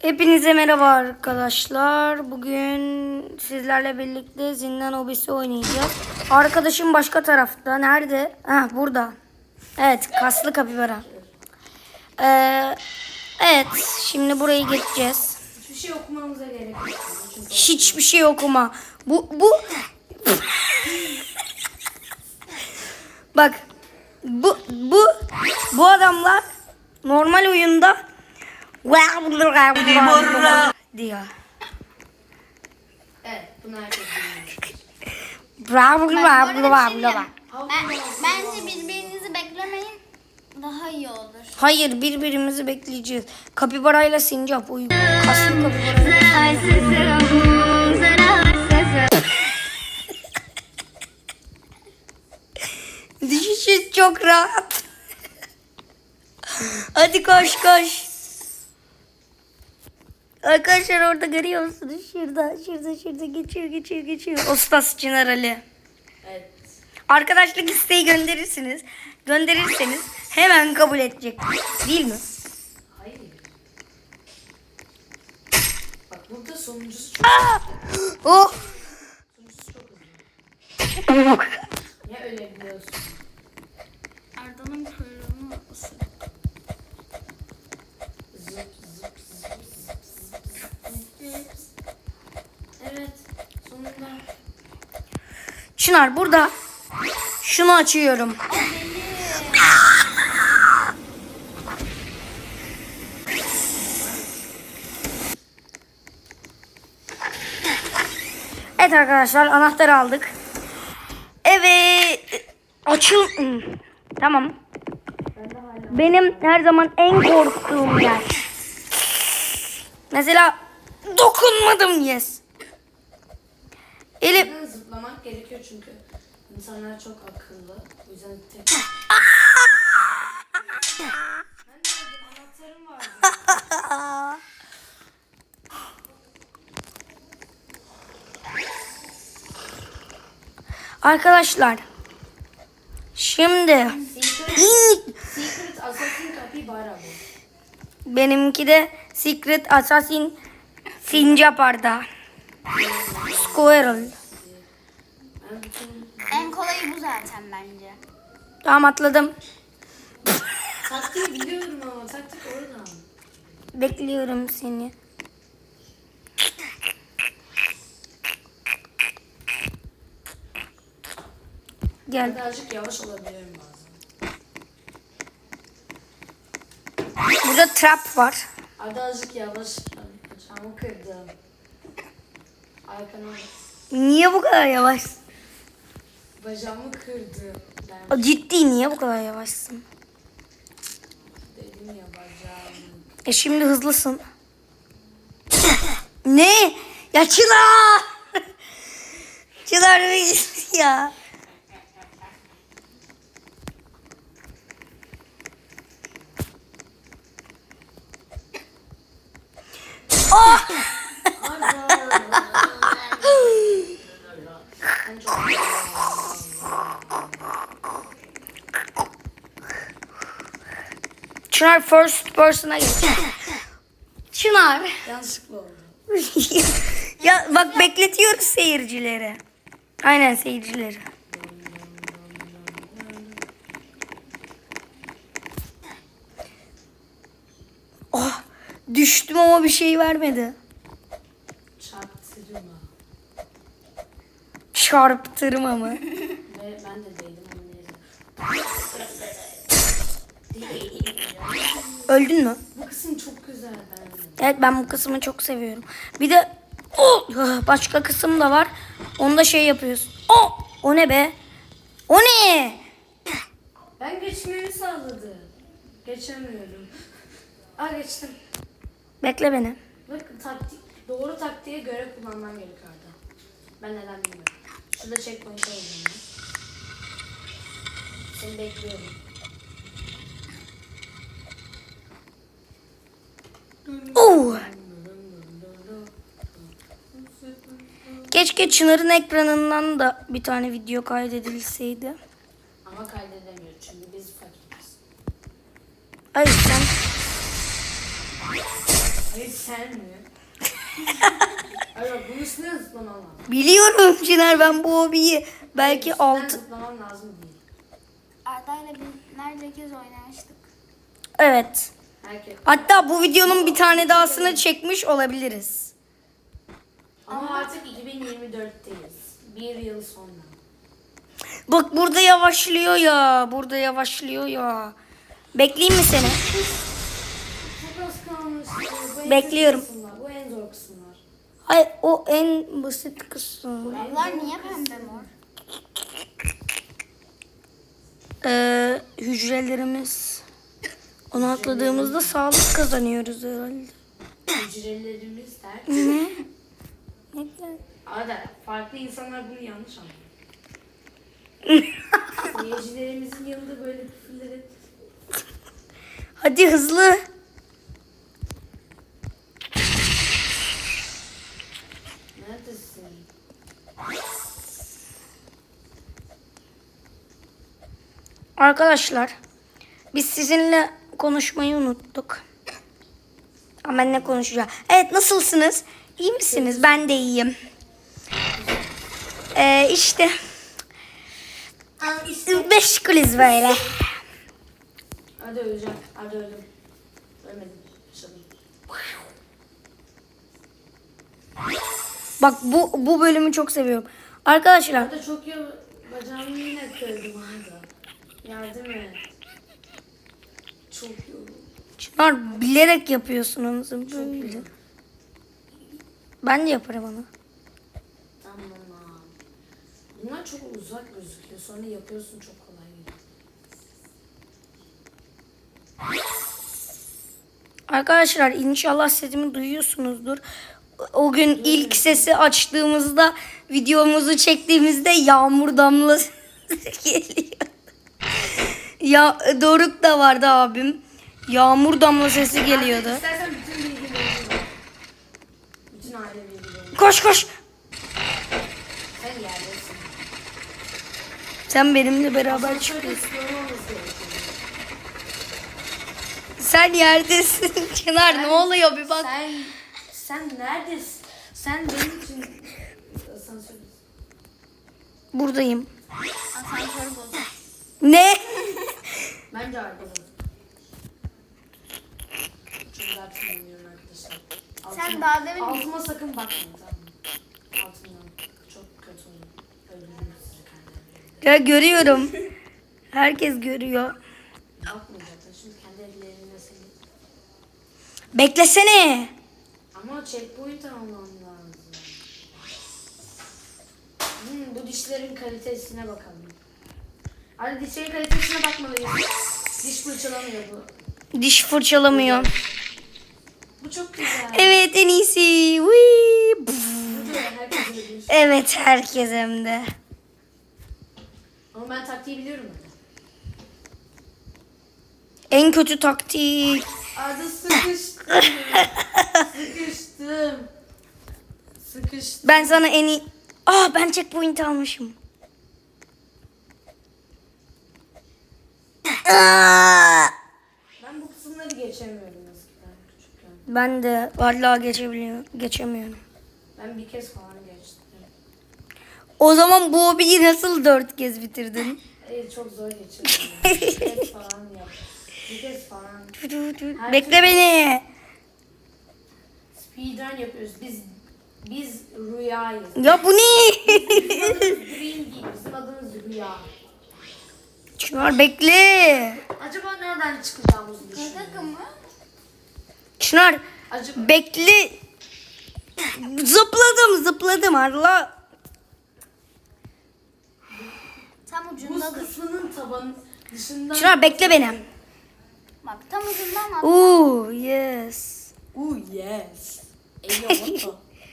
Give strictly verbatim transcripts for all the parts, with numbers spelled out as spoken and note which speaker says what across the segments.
Speaker 1: Hepinize merhaba arkadaşlar. Bugün sizlerle birlikte zindan hobisi oynayacağız. Arkadaşım başka tarafta. Nerede? Ha, burada. Evet, kaslı kapibara. Ee, evet, şimdi burayı geçeceğiz.
Speaker 2: Hiçbir şey okumamıza gerek yok.
Speaker 1: Hiçbir şey okuma. Bu bu Bak. Bu bu bu adamlar normal oyunda diyor.
Speaker 2: Evet, bunu herkes biliyor.
Speaker 1: Bravo bravo
Speaker 3: Ben,
Speaker 1: bravo.
Speaker 3: bence birbirinizi beklemeyin. Daha iyi olur.
Speaker 1: Hayır, birbirimizi bekleyeceğiz. Kapibarayla sincap uygun. Kaslı kapibarayla. Düşüşü çok rahat. Hadi koş koş. Arkadaşlar orada görüyor musunuz? Şurada, şurada, şurada geçiyor, geçiyor, geçiyor. Ostas Çınar Ali.
Speaker 2: Evet.
Speaker 1: Arkadaşlık isteği gönderirsiniz. Gönderirseniz hemen kabul edecek. Değil mi?
Speaker 2: Hayır. Bak burada sonuncusu çok
Speaker 1: Oh!
Speaker 2: sonuncusu çok hızlı. Niye öyle biliyorsun?
Speaker 3: Arda'nın kuyruğunu ısır.
Speaker 2: Zıp zıp zıp zıp zıp zıp. Evet. Sonunda.
Speaker 1: Çınar burada. Şunu açıyorum. Evet arkadaşlar, anahtarı aldık. Evet. Açıl. Tamam. Benim her zaman en korktuğum yer. Mesela dokunmadım, yes. Elim.
Speaker 2: Buradan zıplamak gerekiyor çünkü insanlar çok akıllı. O yüzden tek... Ben de aldım, anahtarım vardı.
Speaker 1: Arkadaşlar. Şimdi.
Speaker 2: Secret, Secret Assassin Capybara bu.
Speaker 1: Benimki de Secret Assassin Sincap Arda. Squirrel.
Speaker 2: Ben bütün
Speaker 3: En kolayı bu zaten bence.
Speaker 1: Tamam, atladım.
Speaker 2: taktiği biliyorum ama taktik oradan.
Speaker 1: Bekliyorum seni. Gel.
Speaker 2: Birazcık yavaş olabilirim bazen.
Speaker 1: Burada trap var.
Speaker 2: Arda azıcık yavaş. Bacağımı kırdım. Arkana
Speaker 1: Niye bu kadar yavaş?
Speaker 2: bacağımı kırdı. Ben
Speaker 1: Ciddi, niye bu kadar yavaşsın?
Speaker 2: dedim ya bacağımı.
Speaker 1: E şimdi hızlısın. Ne? Ya Çınar! Çınar bir ya. Oh!
Speaker 2: Ben çok
Speaker 1: Çınar first person'a geç. Çınar.
Speaker 2: yanlışlıkla oldu.
Speaker 1: Ya bak, bekletiyoruz seyircileri. Aynen, seyircileri. Oh, düştüm ama bir şey vermedi.
Speaker 2: Çarptırma.
Speaker 1: Çarptırma mı?
Speaker 2: Ve ben de değdim ama neyse.
Speaker 1: Öldün mü?
Speaker 2: Bu kısım çok güzel bence.
Speaker 1: Evet, ben bu kısmı çok seviyorum. Bir de oh, başka kısım da var. Onda şey yapıyorsun. Oh, o ne be? O ne?
Speaker 2: Ben geçmemi sağladı. Geçemiyorum. Aa geçtim.
Speaker 1: Bekle beni.
Speaker 2: Bak taktik, doğru taktiğe göre kullanman gerekiyor Arda. Ben neden bilmiyorum. Şurada checkpoint'e olacağım. Seni bekliyorum.
Speaker 1: Oh. Keşke Çınar'ın ekranından da bir tane video kaydedilseydi.
Speaker 2: Ama kaydedemiyoruz çünkü biz fakiriz.
Speaker 1: Hayır, sen
Speaker 2: Hayır sen mi? Hayır bak bunun üstüne zıplaman lazım.
Speaker 1: Biliyorum Çınar, ben bu hobiyi belki
Speaker 2: Üstünden
Speaker 1: altı...
Speaker 2: zıplaman lazım değil.
Speaker 3: Arda'yla bir nerede kez oynamıştık.
Speaker 1: Evet.
Speaker 2: Herkes.
Speaker 1: Hatta bu videonun bir tane dahasını çekmiş olabiliriz.
Speaker 2: Ama artık iki bin yirmi dörtteyiz. Bir yıl sonra.
Speaker 1: Bak burada yavaşlıyor ya. Burada yavaşlıyor ya. Bekleyeyim mi seni?
Speaker 2: Çok az kalmış. Bu en
Speaker 1: Bekliyorum.
Speaker 2: kötü kısımlar, bu en zor kısımlar.
Speaker 1: Hayır, o en basit kısım.
Speaker 3: Bunlar niye pembe mor?
Speaker 1: Ee, hücrelerimiz. Onu atladığımızda sağlık kazanıyoruz herhalde.
Speaker 2: Hücrelerimiz der.
Speaker 1: Ne?
Speaker 2: Arada farklı insanlar bunu yanlış anlıyor. Seyircilerimizin yanında böyle küfürleri
Speaker 1: Hadi hızlı.
Speaker 2: neredesin?
Speaker 1: Arkadaşlar, biz sizinle konuşmayı unuttuk. Ama ben ne konuşacağım? Evet, nasılsınız? İyi misiniz? Ben de iyiyim. Ee, işte meşgulüz böyle.
Speaker 2: Hadi öleceğim. Hadi öldüm. Ölmedim. Yaşadım.
Speaker 1: Bak bu bu bölümü çok seviyorum. Arkadaşlar,
Speaker 2: Arada çok ya bacağımı yine kırdım Arda. Yardım et. Çok yoruldum.
Speaker 1: Çınar bilerek yapıyorsunuz böyle. Ben de yaparım onu.
Speaker 2: Tamam. Bunlar çok uzak gözüküyor. Sonra yapıyorsun çok kolay geliyor.
Speaker 1: Arkadaşlar inşallah sesimi duyuyorsunuzdur. O gün ilk sesi açtığımızda, videomuzu çektiğimizde yağmur damlası geliyor. Ya Doruk da vardı abim. Yağmur damla sesi geliyordu.
Speaker 2: İstersen bütün bilgileri ver. Bütün aile bilgileri.
Speaker 1: Koş koş.
Speaker 2: Sen yerdesin.
Speaker 1: Sen benimle beraber
Speaker 2: Asansörde
Speaker 1: çıkıyorsun.
Speaker 2: sıkıntı olması gerekiyor.
Speaker 1: Sen yerdesin Çınar, ne oluyor bir bak.
Speaker 2: Sen, sen neredesin? Sen benim için asansördesin.
Speaker 1: Buradayım.
Speaker 3: Asansör bozuk.
Speaker 1: Ne?
Speaker 2: Bence arkada. Çok güzel tınlanıyorum arkadaşlar.
Speaker 3: Sen daha demin-
Speaker 2: Altıma sakın bakmayın tamam mı? Altımdan çok kötü olur. Öldürürüm sizi kendilerine.
Speaker 1: Ya görüyorum. Herkes görüyor.
Speaker 2: Bakmayacaksın şimdi kendi ellerinde seni.
Speaker 1: Beklesene.
Speaker 2: Ama checkpoint almam lazım. Hmm, bu dişlerin kalitesine bakalım. Hadi dişlerin kalitesine bakmalıyız. Diş fırçalamıyor bu.
Speaker 1: Diş fırçalamıyor.
Speaker 2: Bu çok güzel.
Speaker 1: Evet, en iyisi. Whee!
Speaker 2: Bu da herkes bilir.
Speaker 1: Evet, herkes hem de.
Speaker 2: Ama ben taktiği biliyorum.
Speaker 1: En kötü taktik.
Speaker 2: Arda sıkıştım. Sıkıştım. Sıkıştım.
Speaker 1: Ben sana en iyi... Ah, ben checkpoint almışım. Aa!
Speaker 2: Ben bu kısımları geçemiyorum eskiden küçükken.
Speaker 1: Ben de vallahi geçebiliyorum, geçemiyorum.
Speaker 2: Ben bir kez falan geçtim.
Speaker 1: O zaman bu hobiyi nasıl dört kez bitirdin?
Speaker 2: Evet, çok zor geçirdim. Yani. Bir kez falan yaptım. Bir kez falan.
Speaker 1: Bekle beni.
Speaker 2: Speedrun yapıyoruz. Biz biz rüyayız.
Speaker 1: Ya bu ne?
Speaker 2: Bizim adımız Dream değil. Bizim adımız Rüya.
Speaker 1: Çınar bekle.
Speaker 2: Acaba nereden çıkacağımızı düşünüyorum.
Speaker 3: Kaka mı?
Speaker 1: Çınar
Speaker 2: Acaba
Speaker 1: bekle. Zıpladım zıpladım Allah.
Speaker 3: Tam
Speaker 2: buz
Speaker 3: ucundadır.
Speaker 2: kısmının tabanı dışından...
Speaker 1: Çınar bekle beni.
Speaker 3: Bak tam ucundan at.
Speaker 1: Ooh yes.
Speaker 2: Ooh yes. Eyvallah.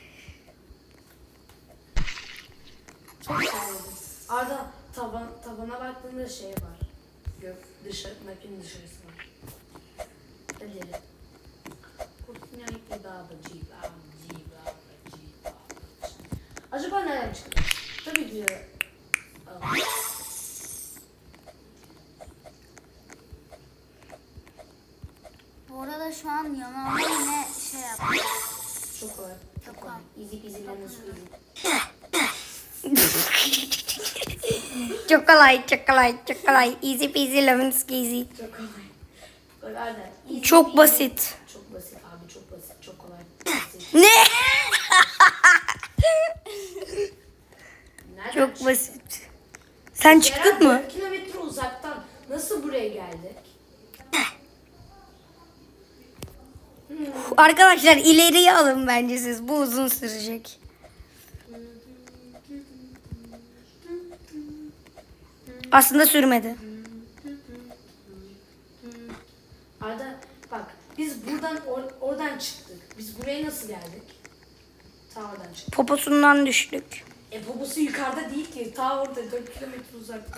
Speaker 2: Çok sevdim. Arda taban, tabana baktığında şey var. Gök dışı, map'in dışarısı var. Hadi. Acaba nereden çıktı? Tabii ki. Aa.
Speaker 3: Bu arada şu an yanağıma yine şey
Speaker 1: Çok kolay, çok kolay, çok kolay. Easy peasy lemon squeezy.
Speaker 2: Çok kolay. Bak Arda. easy
Speaker 1: Çok
Speaker 2: peasy.
Speaker 1: basit.
Speaker 2: Çok basit abi çok basit. Çok kolay. Basit.
Speaker 1: Ne?
Speaker 2: Nereden
Speaker 1: Çok
Speaker 2: çıktı?
Speaker 1: basit. Sen
Speaker 2: Ceren,
Speaker 1: çıktın mı?
Speaker 2: dört kilometre uzaktan nasıl buraya geldik?
Speaker 1: Arkadaşlar ileriye alın bence siz. Bu uzun sürecek. Aslında sürmedi.
Speaker 2: Arda bak biz buradan or- oradan çıktık. Biz buraya nasıl geldik? Ta oradan çıktık.
Speaker 1: Poposundan düştük.
Speaker 2: E poposu yukarıda değil ki. Ta orada dört kilometre uzaktan.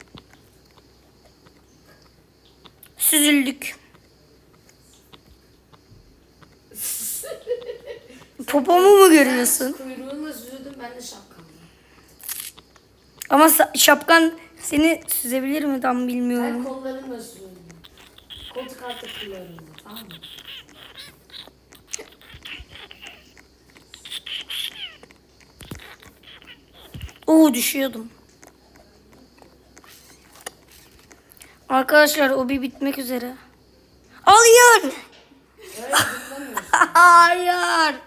Speaker 1: Süzüldük. Popomu mu görüyorsun?
Speaker 2: Sen kuyruğunla süzüldün ben de şapkamla.
Speaker 1: Ama sa- şapkan seni süzebilir mi tam
Speaker 2: Ben
Speaker 1: bilmiyorum.
Speaker 2: kollarımla süzüldüm. Koltuk altı kullarımla tamam mı?
Speaker 1: Oo düşüyordum. Arkadaşlar o bir bitmek üzere. Hayır.
Speaker 2: Öyle zıplamıyorsun.
Speaker 1: Hayır.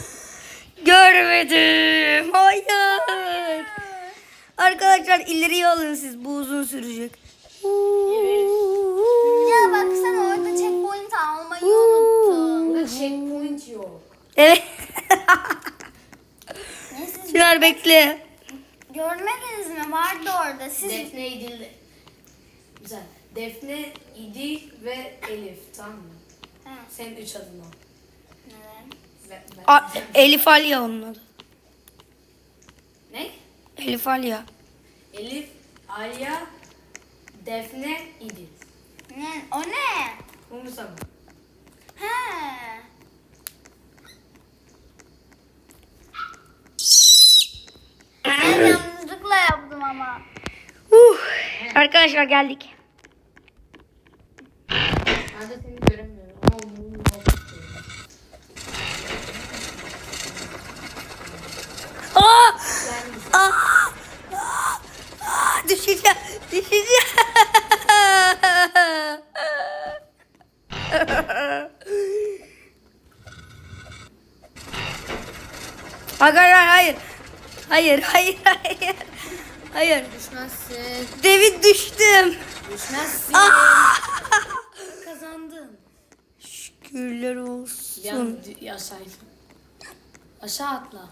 Speaker 1: Görmedim. Hayır. Arkadaşlar ileriye alın siz. Bu uzun sürecek.
Speaker 3: Ya baksana orada checkpoint almayı unuttum.
Speaker 2: Burada checkpoint yok.
Speaker 1: Evet.
Speaker 3: Ne siz
Speaker 1: Çınar bekle.
Speaker 3: görmediniz mi? Vardı orada. Siz
Speaker 2: Defne, İdil. Güzel. Defne, İdil ve Elif tamam mı?
Speaker 3: Ha,
Speaker 2: Senin üç adın o.
Speaker 3: neden?
Speaker 2: Ben, ben-
Speaker 1: A- Elif Alya onun adı.
Speaker 2: Ne?
Speaker 1: Elif Alya.
Speaker 2: Elif, Alya, Defne, İdil.
Speaker 3: Ne? O ne?
Speaker 2: Umursa mı?
Speaker 3: He. Ben yanlışlıkla yaptım ama.
Speaker 1: Uh. Arkadaşlar geldik.
Speaker 2: Ben de seni göremiyorum. Ama umurumda olmuyor.
Speaker 1: Aa!
Speaker 2: Ben
Speaker 1: Aa! Aa! Aa! Düşeceğim. Düşeceğim. Arkadaşlar hayır. Hayır, hayır, hayır. Hayır.
Speaker 2: düşmezsin.
Speaker 1: David düştüm.
Speaker 2: Düşmezsin. Kazandın.
Speaker 1: Şükürler
Speaker 2: Bir
Speaker 1: olsun.
Speaker 2: an d- aşağıydım. Aşağı atla.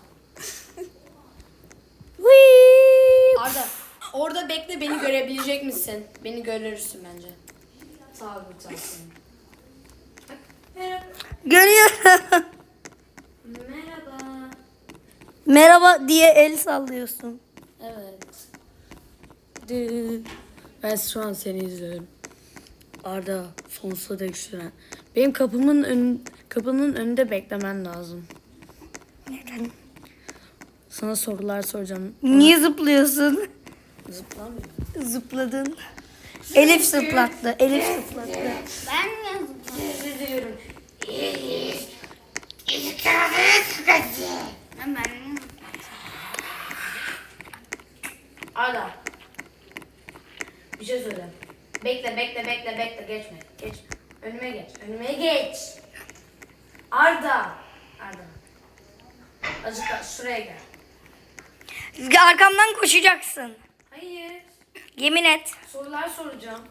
Speaker 1: Whee!
Speaker 2: Arda orada bekle beni görebilecek misin? Beni görürsün bence. Sağ ol sağ ol. Merhaba.
Speaker 1: Görüyorum.
Speaker 2: Merhaba.
Speaker 1: Merhaba diye el sallıyorsun.
Speaker 2: Evet. Dü- Ben şu an seni izliyorum. Arda sonsuza dek süren. Benim kapımın ön, kapının önünde beklemen lazım.
Speaker 1: Neden?
Speaker 2: Sana sorular soracağım.
Speaker 1: Niye zıplıyorsun?
Speaker 2: Zıplamıyor.
Speaker 1: Zıpladın. Elif zıplattı. Elif zıplattı.
Speaker 3: Ben mi yazdım?
Speaker 2: Üzülüyorum.
Speaker 3: Ben mi?
Speaker 2: Arda. Bir şey söyle. Bekle bekle bekle bekle geçme. Geçme. Önüme geç. Önüme geç. Arda. Arda. Azıcık daha şuraya gel.
Speaker 1: Arkamdan koşacaksın.
Speaker 2: Hayır.
Speaker 1: Yemin et.
Speaker 2: Sorular soracağım.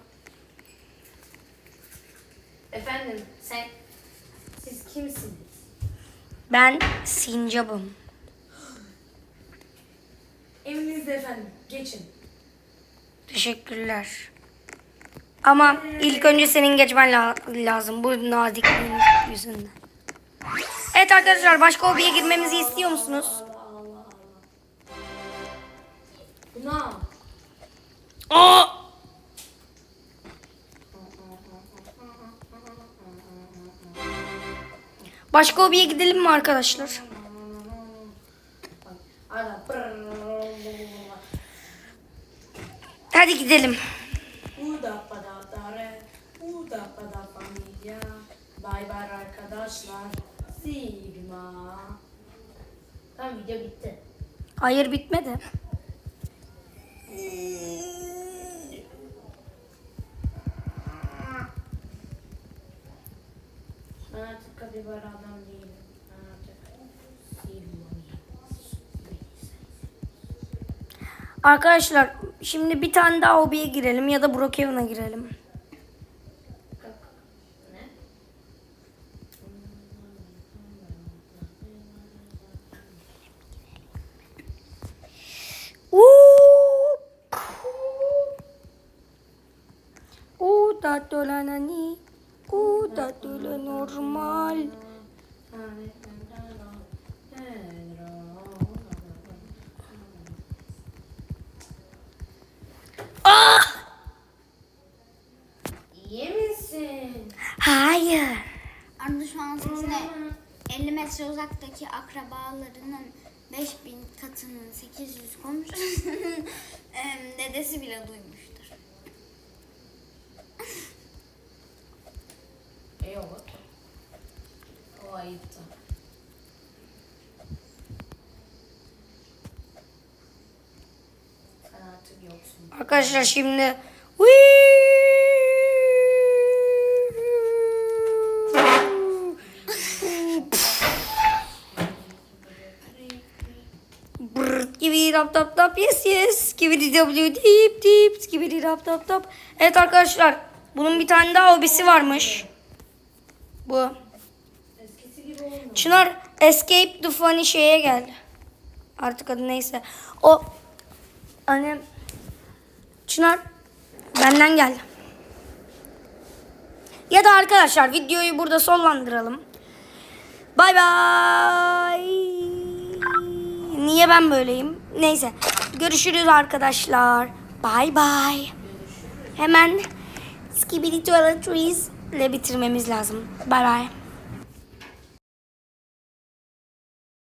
Speaker 2: Efendim sen siz kimsiniz?
Speaker 1: Ben sincapım.
Speaker 2: Evinizde efendim. Geçin.
Speaker 1: Teşekkürler. Ama ilk önce senin geçmen la- lazım. Bu nazikliğin yüzünden. Evet arkadaşlar başka hobiye girmemizi istiyor musunuz?
Speaker 2: Allah Allah Allah. Buna.
Speaker 1: Aa! Başka hobiye gidelim mi arkadaşlar?
Speaker 2: Arda.
Speaker 1: Hadi gidelim.
Speaker 2: Uda pada dare. Uda pada familya. Bay bay arkadaşlar. Sigma. Tamam video bitti.
Speaker 1: Hayır bitmedi.
Speaker 2: Ben artık kapibara adam değilim. Ben artık Silva'yım.
Speaker 1: Arkadaşlar şimdi bir tane daha hobiye girelim ya da Brookhaven'a girelim.
Speaker 2: Ne?
Speaker 1: Uuu. Uuu tatlılanani. Uuu tatlı normal. Ah!
Speaker 2: İyi misin?
Speaker 1: Hayır.
Speaker 3: Arda şu an sesine elli metre uzaktaki akrabalarının beş bin katının sekiz yüz komşusunun em, dedesi bile duymuştur.
Speaker 2: E yok. O ayıptı. Sen artık yoksun.
Speaker 1: Arkadaşlar şimdi Skibidi tap tap tap yes yes. Skibidi w dip dip. Skibidi tap tap tap. Evet arkadaşlar bunun bir tane daha hobisi varmış. Bu.
Speaker 2: Eskisi gibi olmuyor.
Speaker 1: Çınar escape the funny şeye gel. Artık adı neyse. O hani Çınar benden gel. Ya da arkadaşlar videoyu burada sonlandıralım. Bay bay. Niye ben böyleyim? Neyse. Görüşürüz arkadaşlar. Bay bay. Hemen Skibidi Toiletries ile bitirmemiz lazım. Bay bay.